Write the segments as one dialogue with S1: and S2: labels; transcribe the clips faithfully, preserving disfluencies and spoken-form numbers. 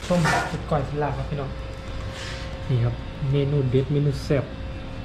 S1: ส้มสุดก่อยสิลาครับพี่น้องนี่ครับเมนูเด็ดเมนูแซ่บ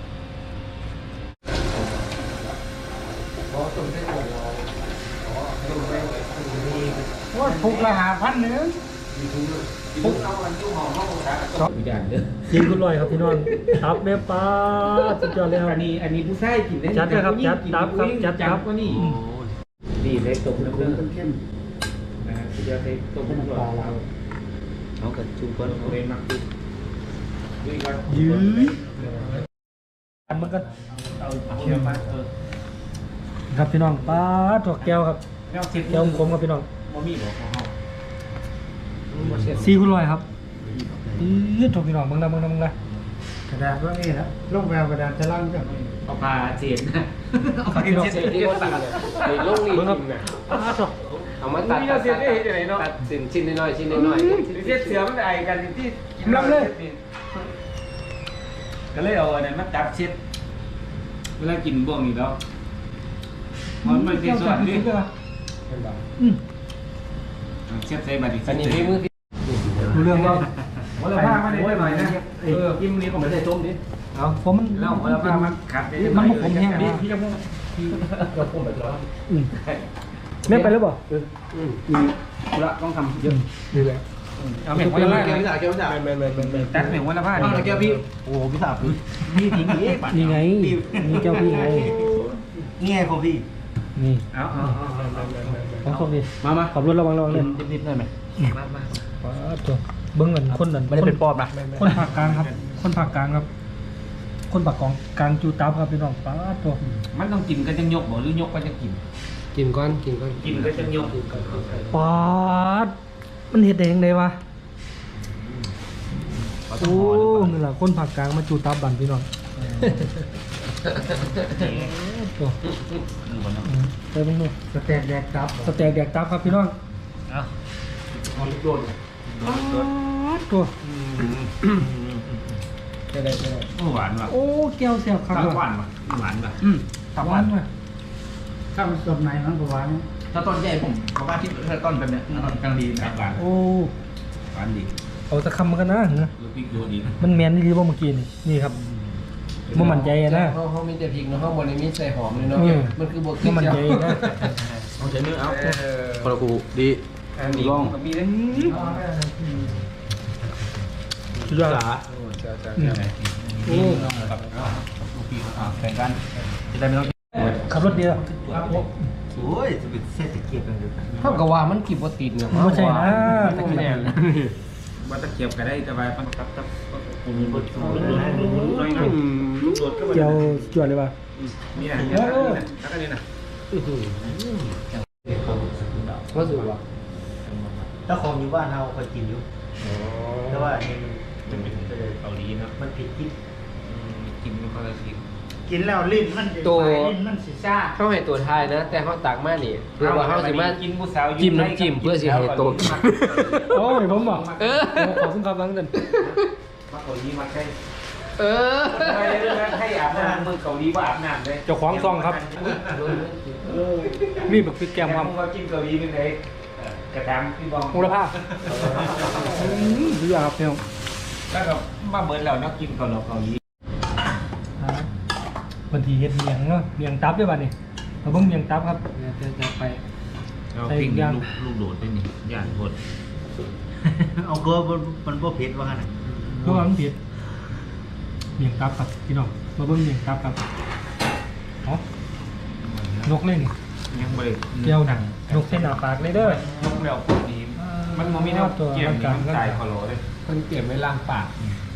S1: ว่าถูกละหาพันหนึ่งถูกเอาอันตู้หอมเข้าของสาวอย่างเด้อยิงกุลอยครับพี่น้องตับแม่ปลาสุดยอดเลยครับอันนี้อันนี้ผู้ชายกินได้จัดครับจัดตับครับจัดตับก็นี่นี่เล็กตกน้ำเลือดเข้มนะฮะสุดยอดเล็กตกน้ำปลาเราเอากระจุกก้อนเอาเล่นมากขึ้นยื้อมันก็เคี่ยวมาครับพี่น้องปลาถั่วแก้วครับแก้วคมครับพี่น้องซีคุณลอยครับยืดถูกพี่น้องมึงนะมึงนะมึงนะกระดาษว่านี่นะลงแววกระดาษจะล่างจังเอาปลาเจียนนะเอาปลาเจียนที่ว่าตัดเลยลงนี่จริงนะเอามาตัดตัดตัดชิ้นชิ้นน้อยชิ้นน้อยเสียเสือมันไอกันที่กินลำเลยก็เลยเอาอันนั้นมาจับเช็ดเวลากินบ่วงนี่แล้วมันไม่ได้ส่วนนี้อืมเช็ดใส่บัตรอีกอันนี้พี่มือดูเรื่องว่าวันละผ้าไม่ได้หน่อยนะเออกินนี้ผมไม่ได้ต้มดิเอาผมมันแล้ววันละผ้ามันขัดมันมันผมแห้งพี่จะพูดพี่เราต้มแบบร้อนอืมแม่ไปแล้วบ่เอออืมอืมละต้องทำเยอะดีแล้วเอาแม่วันละผ้าแก้วพี่สาวแก้วพี่สาวแม่แม่แม่แม่ตัดแม่วันละผ้านี่แก้วพี่โอ้พี่สาวพี่ทิ้งนี้นี่ไงนี่เจ้าพี่ไงนี่ไงของพี่นี่เอาเอาเอาของพี่มามาขับรถระวังระวังเลยนิดๆหน่อยไหมมามาตัวเบิ้งเงินคนนั้นไม่ได้เป็นปอบนะคนภาคกลางครับคนภาคกลางครับคนภาคกลางกลางจูตับครับพี่น้องป้าตัวมันต้องกินก็จะยกบ่หรือยกก็จะกินกินก้อนกินก้อนกินก็จะยกป้ามันเห็ดแดงเลยวะโอ้นี่แหละคนภาคกลางมาจูตับบันพี่น้องตัวเติมนู่นสแต็กแดกตับสแต็กแดกตับครับพี่น้องเอาลูกโดนตัวจะได้จะได้โอ้หวานว่ะโอ้แก้วเสียบครับหวานว่ะหวานว่ะอืมตับหวานว่ะข้าวมันสดในมันก็หวานถ้าต้นใหญ่ผมเพราะว่าที่ถ้าต้นแบบเนี้ยต้นกลางดีนะหวานโอ้หวานดีเอาตะคำมันกันนะนะมันแมนนี่ดีว่าเมื่อกี้นี่นี่ครับมันมันใจนะเขาเขามีแต่พริกเนาะเขาบริมีใส่หอมเลยเนาะมันคือบวกมันมันใจนะเอาใช้เนื้อเอาพอกูดีลองมีทั้งชุดยอดอ่ะโอ้แข่งกันจะได้ไม่ต้องขับรถดีหรอโอ้ยจะเป็นเศรษฐกิจกันเลยเท่ากับว่ามันกี่ปติดเนี่ยไม่ใช่นะตะเกียบว่าตะเกียบก็ได้แต่ว่ามันกับกับเจียวจวดเลยป่ะนี่นะแล้วก็นี่นะก็สุดว่ะถ้าของอยู่บ้านเราเคยกินอยู่แต่ว่าอันนี้มันเป็นเกาหลีนะมันผิดที่กินมันก็จะกินกินแล้วลิ้นมันตัวลิ้นมันสีซ่าเข้าให้ตัวทายนะแต่เขาตักมานี่เพื่อว่าเขาสิมาจิ้มน้ำจิ้มเพื่อสิให้ตัวโอ้ยผมบอกเออขอซึ่งความรักกันมาเกาหลีมาใช่เออให้อาบน้ำมือเกาหลีว่าอาบน้ำเลยเจ้าของซองครับมีแบบพริกแกงความว่ากินเกาหลีเป็นไงกระดามพี่บองมูลค่าดูยาครับพี่น้องแล้วก็มาเบิร์นเรานักกินเกาหลีเกาหลีบางทีเห็ดเมียงเนาะเมียงตับด้วยป่ะนี่เราเพิ่งเมียงตับครับจะจะไปใส่ย่างลูกโดดได้นี่ย่างโดดเอาเกลือมันบ่เผ็ดว่าไงเกลือมันเผ็ดเมียงตับครับพี่น้องมาเบิ่งเมียงตับครับอ๋อนกเล่นยังไม่เกี่ยวหนังนกเส้นหนาปากเลยเด้อนกแมวพวกนี้มันมันมีแนวเกี่ยวกับมันตายคอโลเลยมันเก็บไว้ล้างปาก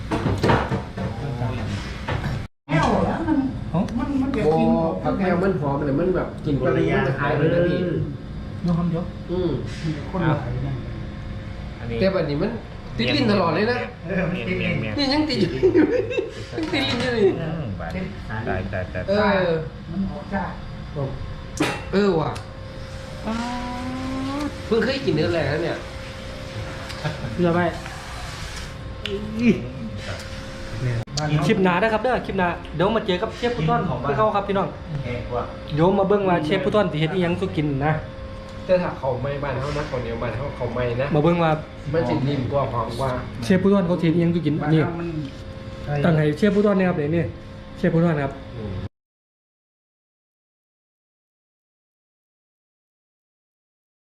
S1: มันมันเก็บกินผักแก้วมันหอมเลยมันแบบกลิ่นอะไรอย่างหายไปเลยพี่น้องทำเยอะอืมคนหลายนะแต่แบบนี้มันติดลิ้นตลอดเลยนะนี่ยังติดยังติดลิ้นอยู่เลยตายตายตายเออมันออกจากเออว่ะเพิ่งเคยกินเนื้อแหล่แล้วเนี่ยเพื่อไปคลิปหนาได้ครับเด้อคลิปหนาเดี๋ยวมาเจอกับเชฟพุทธอนของเขาครับพี่น้องเดี๋ยวมาเบิ้งว่าเชฟพุทธอนที่เฮ็ดอีหยังสุกินนะ
S2: แต่ถ้าเขาไม่บ้านเขานะเขาเหนียวบ้านเขาเขาไม่นะ
S3: มาเบิ่งว่า
S2: มันสินิ่มกว่าหอมกว่า
S3: เชฟผู้ทอนเขาทียังอยู่กิน
S1: บ้าน
S3: นี่
S1: เรามัน
S3: ตั้งให้เชฟผู้ทอนเนี่ยครับเนี่ยเชฟผู้ทอนครับ
S2: อืม